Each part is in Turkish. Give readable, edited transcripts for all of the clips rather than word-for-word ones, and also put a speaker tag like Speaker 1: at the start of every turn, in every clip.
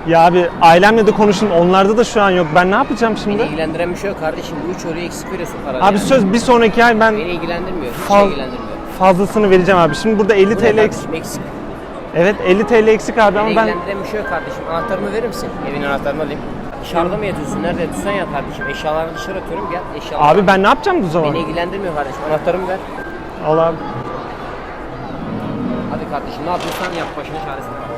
Speaker 1: Ya abi ailemle de konuştum. Onlarda da şu an yok. Ben ne yapacağım şimdi?
Speaker 2: Beni ilgilendiren bir şey yok kardeşim. Bu 3 oraya eksik veriyorsun parayı.
Speaker 1: Abi söz bir sonraki ay ben
Speaker 2: Beni ilgilendirmiyor. Hiç
Speaker 1: Fal-
Speaker 2: ilgilendirmiyor.
Speaker 1: fazlasını vereceğim abi. Şimdi burada 50
Speaker 2: Bu
Speaker 1: TL
Speaker 2: ne
Speaker 1: eksik.
Speaker 2: kardeşim eksik?
Speaker 1: Evet 50 TL eksik abi
Speaker 2: Beni
Speaker 1: ama ben
Speaker 2: ilgilendiren bir şey yok kardeşim. Anahtarımı verir misin? Evin anahtarını alayım. Dışarıda mı yatıyorsun? Nerede yatıyorsan yat kardeşim. Eşyalarını dışarı atıyorum. Gel eşyalarını.
Speaker 1: abi ben ne yapacağım bu zaman?
Speaker 2: Beni ilgilendirmiyor kardeşim. Anahtarımı ver.
Speaker 1: Al abi.
Speaker 2: Hadi kardeşim ne yapıyorsan yap. Başına çaresine bak.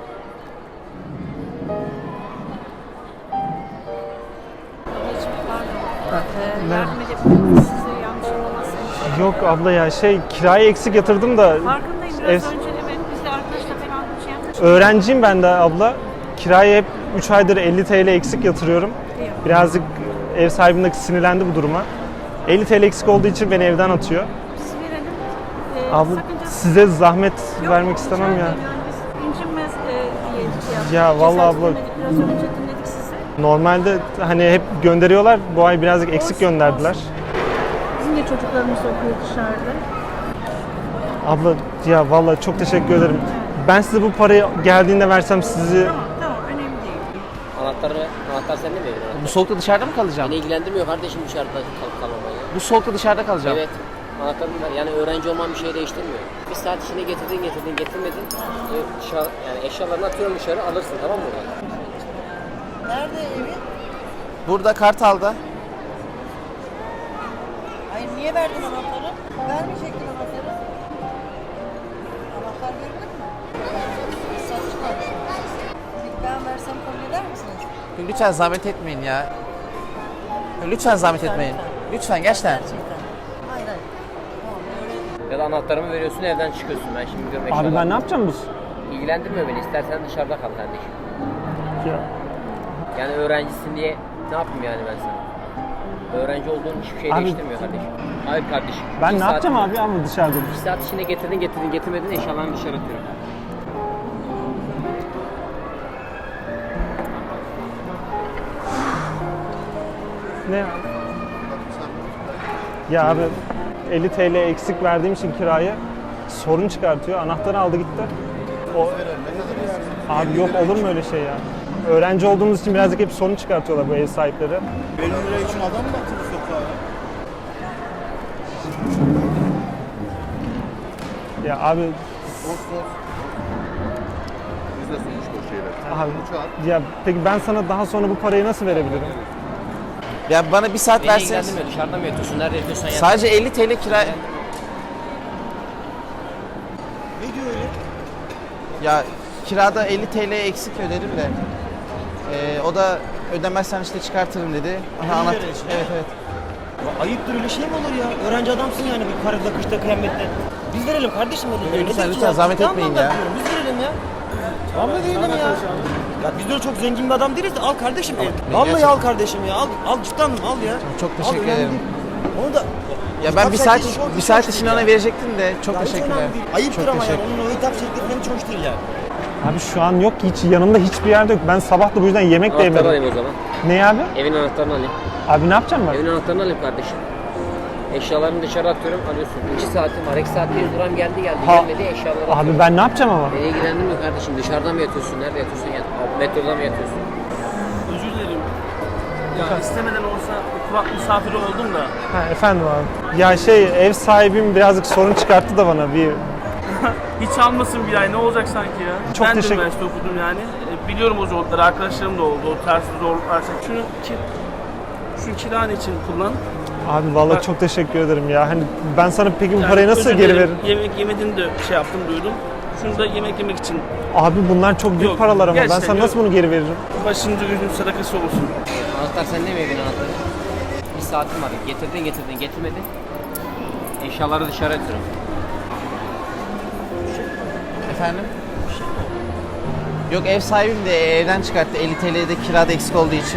Speaker 3: Yardım edebilirim size yanlış olmazsa.
Speaker 1: Yok abla ya kirayı eksik yatırdım da
Speaker 3: Farkındayım
Speaker 1: ev-
Speaker 3: biraz önce evet biz de arkadaşla falan bir şey yapmıştık.
Speaker 1: öğrenciyim ben de abla. Kirayı hep 3 aydır 50 TL eksik yatırıyorum. Birazcık ev sahibim de sinirlendi bu duruma. 50 TL eksik olduğu için beni evden atıyor.
Speaker 3: Biz verelim.
Speaker 1: Abla
Speaker 3: sakıncası
Speaker 1: size zahmet
Speaker 3: yok,
Speaker 1: vermek istemem
Speaker 3: rica
Speaker 1: ya.
Speaker 3: ederim. Yani biz incinmez diye şey yaptık.
Speaker 1: Ya vallahi
Speaker 3: Cesaret
Speaker 1: abla-
Speaker 3: edemedik, biraz önce dinledik sizi.
Speaker 1: Normalde hani hep gönderiyorlar. Bu ay birazcık eksik
Speaker 3: Olsun,
Speaker 1: gönderdiler.
Speaker 3: olsun. Bizim de çocuklarımız okuyor dışarıda.
Speaker 1: Abla ya vallahi çok teşekkür ederim. Ben size bu parayı geldiğinde versem sizi
Speaker 3: Tamam önemli değil.
Speaker 2: Anahtar sende mi evin?
Speaker 4: Bu soğukta dışarıda mı kalacağım?
Speaker 2: Beni ilgilendirmiyor kardeşim dışarıda kalıp kalmamayı.
Speaker 4: Bu soğukta dışarıda kalacağım.
Speaker 2: Evet. Anahtarını ver. Yani öğrenci olman bir şey değiştirmiyor. Bir saat içinde getirmedin. Dışarı, yani eşyalarını atıyorum dışarı alırsın tamam mı?
Speaker 5: Nerede evi?
Speaker 4: Burada Kartal'da.
Speaker 5: Hayır niye verdin anahtarı? Vermeyecektin anahtarı. Anahtar verilir mi? Satış kardeşim. Peki ben versem kabul eder misiniz?
Speaker 4: Lütfen zahmet etmeyin ya. Lütfen zahmet etmeyin. Lütfen gerçekten.
Speaker 5: Gerçekten. Hayır hayır. Tamam öyle.
Speaker 2: Ya da anahtarımı veriyorsun evden çıkıyorsun. Ben şimdi gidiyorum eşyalarımı.
Speaker 1: abi ben ne yapacağım bu?
Speaker 2: İlgilendirmiyor beni. İstersen dışarıda kal kardeşim.
Speaker 1: Ya.
Speaker 2: Yani öğrencisin diye ne yapayım yani ben sana? Öğrenci olduğun hiçbir şey
Speaker 1: Abi-
Speaker 2: değiştirmiyor kardeşim. Hayır kardeşim.
Speaker 1: Ben
Speaker 2: Bir
Speaker 1: ne
Speaker 2: saat-
Speaker 1: yapacağım abi ama dışarıda?
Speaker 2: Bir saat içinde getirmedin eşyalarını dışarı atıyorum.
Speaker 1: Ne ya? Ya abi 50 TL eksik verdiğim için kirayı sorun çıkartıyor. Anahtarı aldı gitti. O... Abi yok olur mu öyle şey ya? Öğrenci olduğumuz için birazcık hep sorun çıkartıyorlar bu ev sahipleri.
Speaker 6: 50 lira için adam mı atılır sokağa ya?
Speaker 1: Ya abi,
Speaker 6: Dost. Biz de sonuçta o şeyler.
Speaker 1: abi
Speaker 6: Uçağı.
Speaker 1: ya peki ben sana daha sonra bu parayı nasıl verebilirim?
Speaker 4: Ya bana bir saat
Speaker 2: Beni
Speaker 4: verseniz.
Speaker 2: ilgilendirmiyor. Dışarıda mı yatıyorsun? Nerede yatıyorsan yat.
Speaker 4: Sadece 50 TL kira.
Speaker 6: Ne diyor öyle?
Speaker 4: Ya kirada 50 TL eksik ödedim de. O da ödemezsen işte çıkartırım dedi. Aha,
Speaker 6: lira için.
Speaker 4: Evet evet.
Speaker 7: Ya ayıptır öyle şey mi olur ya? Öğrenci adamsın yani bir karıda kışta kıyamette. Biz verelim kardeşim öyle.
Speaker 4: Lütfen zahmet etmeyin ya.
Speaker 7: Biz verelim ya. Tamam da verelim ya. Ya biz öyle çok zengin bir adam değiliz de al kardeşim. Vallahi
Speaker 4: gerçekten-
Speaker 7: al kardeşim ya. Al cidden al ya.
Speaker 4: Çok
Speaker 7: Al,
Speaker 4: teşekkür
Speaker 7: önemli
Speaker 4: ederim.
Speaker 7: değil. Onu da
Speaker 4: Ya ben bir saat
Speaker 7: çok
Speaker 4: bir saat
Speaker 7: hoş
Speaker 4: için
Speaker 7: değil
Speaker 4: ona
Speaker 7: ya.
Speaker 4: verecektim de çok
Speaker 7: Ya hiç
Speaker 4: teşekkürler.
Speaker 7: önemli değil. Ayıptır
Speaker 4: Çok
Speaker 7: ama yani
Speaker 4: teşekkür-
Speaker 7: onun o hitap şekli falan hiç hoş değil yani.
Speaker 1: Abi şu an yok ki hiç yanımda hiçbir yerde yok. Ben sabah da bu yüzden yemek de
Speaker 2: Anahtarını
Speaker 1: yemedim.
Speaker 2: alayım o zaman.
Speaker 1: Ne abi?
Speaker 2: Evin anahtarını alayım.
Speaker 1: Abi ne yapacağım ben?
Speaker 2: Evin anahtarını alayım kardeşim. Eşyalarını dışarı atıyorum alıyorsun. 2 saatim var. 2 saat bir duran geldi
Speaker 1: Ha-
Speaker 2: gelmedi eşyaları atıyorum.
Speaker 1: Abi ben ne yapacağım ama?
Speaker 2: Beni ilgilendirmiyor kardeşim. Dışarıda mı yatıyorsun? Nerede yatıyorsun? Yat. Metroda mı yatıyorsun?
Speaker 8: Özür dilerim. Ya istemeden olsa kulak misafiri oldum da.
Speaker 1: Ha, efendim abi. Ya ev sahibim birazcık sorun çıkarttı da bana bir...
Speaker 8: Hiç almasın bir ay ne olacak sanki ya.
Speaker 1: Çok
Speaker 8: ben de
Speaker 1: teşekkür-
Speaker 8: üniversite okudum yani. Biliyorum o zorlukları, arkadaşlarım da oldu. O tarz zorluklar. Şunu kiran için kullan.
Speaker 1: Abi vallahi
Speaker 8: Bak-
Speaker 1: çok teşekkür ederim ya. Hani ben sana peki bu
Speaker 8: Yani
Speaker 1: parayı nasıl
Speaker 8: özür
Speaker 1: geri
Speaker 8: dilerim,
Speaker 1: veririm?
Speaker 8: Yemek yemediğini de şey yaptım duydum. Şunu da yemek yemek için
Speaker 1: Abi bunlar çok büyük
Speaker 8: Yok,
Speaker 1: paralar ama ben
Speaker 8: gerçekten
Speaker 1: sana nasıl
Speaker 8: yok.
Speaker 1: bunu geri veririm?
Speaker 8: başınızı gözünüz sadakası olsun.
Speaker 2: Anahtar sende mi evin anahtarı? Bir saatim var. Getirmedin. Eşyaları dışarı atıyorum.
Speaker 4: Efendim? Yok ev sahibim de evden çıkarttı 50 TL'de kirada eksik olduğu için.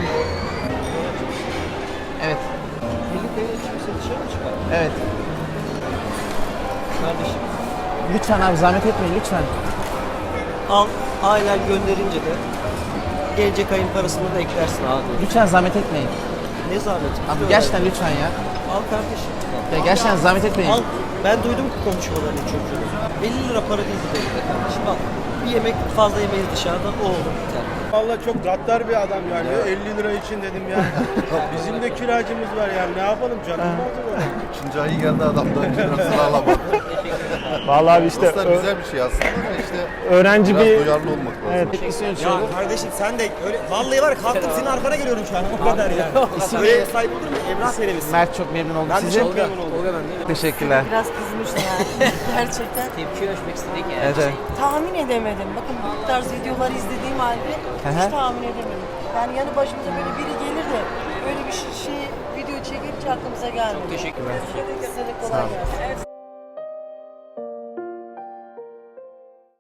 Speaker 4: Evet.
Speaker 7: 50 TL çıkıyorsa dışarı mı çıkar?
Speaker 4: Evet.
Speaker 7: Kardeşim.
Speaker 4: Lütfen abi zahmet etmeyin lütfen.
Speaker 7: Al ailen gönderince de gelecek ayın parasını da eklersin abi.
Speaker 4: Lütfen zahmet etmeyin.
Speaker 7: Ne zahmeti?
Speaker 4: Abi gerçekten lütfen ya.
Speaker 7: Al kardeşim.
Speaker 4: Ya gerçekten zahmet etmeyin.
Speaker 7: Al. Ben duydum ki konuşmalarını çocuğun. 50 lira para değil bu da kardeşim al. Bir yemek fazla yemeyiz dışarıdan o olur biter.
Speaker 6: Vallahi çok gaddar bir adam yani. 50 lira için dedim ya. Bizim de kiracımız var yani. Ne yapalım canım acaba?
Speaker 9: 3. ayı geldi adam da lirasını alamadı.
Speaker 1: Vallahi abi işte
Speaker 9: Aslında güzel bir şey aslında da işte
Speaker 1: öğrenci
Speaker 9: biraz
Speaker 1: bir
Speaker 9: duyarlı olmak lazım.
Speaker 1: evet,
Speaker 7: Ya kardeşim sen de öyle vallahi var ya, kalktım senin arkana geliyorum şu an o kadar yani.
Speaker 4: İsim
Speaker 7: Öyle sahip olur mu? Emrah söylemişsin.
Speaker 4: Mert, çok memnun oldum
Speaker 7: Ben de
Speaker 4: size.
Speaker 7: çok memnun oldum.
Speaker 2: Tolga ben değil mi?
Speaker 4: Teşekkürler.
Speaker 5: Biraz kızmış yani. Gerçekten.
Speaker 2: Tepki ölçmek istedik yani.
Speaker 4: Evet.
Speaker 5: Tahmin edemedim. Bakın bu tarz videoları izlediğim halde
Speaker 4: Hı
Speaker 5: hiç
Speaker 4: hı.
Speaker 5: tahmin edemedim. Yani yanı başımıza böyle biri gelir de böyle bir şey video çekince aklımıza gelmedi.
Speaker 2: Çok teşekkürler.
Speaker 5: Size de kolay gelsin.